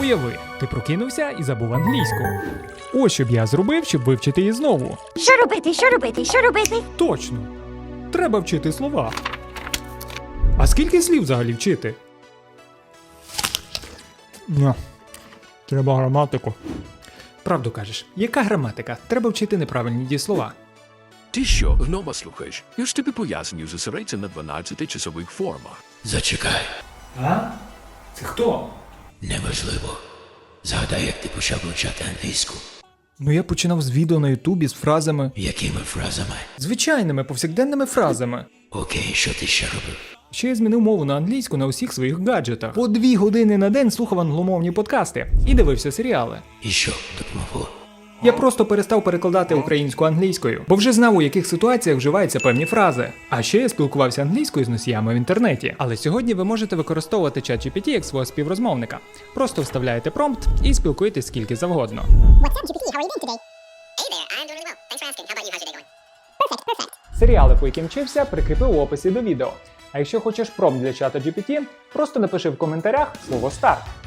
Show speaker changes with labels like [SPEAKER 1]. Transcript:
[SPEAKER 1] Уяви, ти прокинувся і забув англійську. Ось що б я зробив, щоб вивчити її знову.
[SPEAKER 2] Що робити? Що робити? Що робити?
[SPEAKER 1] Точно. Треба вчити слова. А скільки слів взагалі вчити? Треба граматику. Правду кажеш. Яка граматика? Треба вчити неправильні дієслова.
[SPEAKER 3] Ти що, гнома слухаєш? Я ж тобі пояснюю, зосередься на 12-часових формах.
[SPEAKER 4] Зачекай,
[SPEAKER 1] А? Це хто?
[SPEAKER 4] неважливо. Згадай, як ти почав вивчати англійську.
[SPEAKER 1] Ну я починав з відео на ютубі з фразами.
[SPEAKER 4] Якими фразами?
[SPEAKER 1] Звичайними, повсякденними фразами.
[SPEAKER 4] Окей, що ти ще робив?
[SPEAKER 1] Ще я змінив мову на англійську на усіх своїх гаджетах. По 2 години на день слухав англомовні подкасти і дивився серіали.
[SPEAKER 4] І що допомогло?
[SPEAKER 1] Я просто перестав перекладати українську англійською, бо вже знав, у яких ситуаціях вживаються певні фрази. А ще я спілкувався англійською з носіями в інтернеті. Але сьогодні ви можете використовувати ChatGPT як свого співрозмовника. Просто вставляєте промпт і спілкуєтесь скільки завгодно.
[SPEAKER 5] What's up, GPT? How are you doing today?
[SPEAKER 6] Hey there, I'm doing really well. Thanks for asking. How about you? How's your day going?
[SPEAKER 5] Perfect.
[SPEAKER 1] Серіали, по яким вчився, прикріпив у описі до відео. А якщо хочеш промпт для чата GPT, просто напиши в коментарях слово «старт».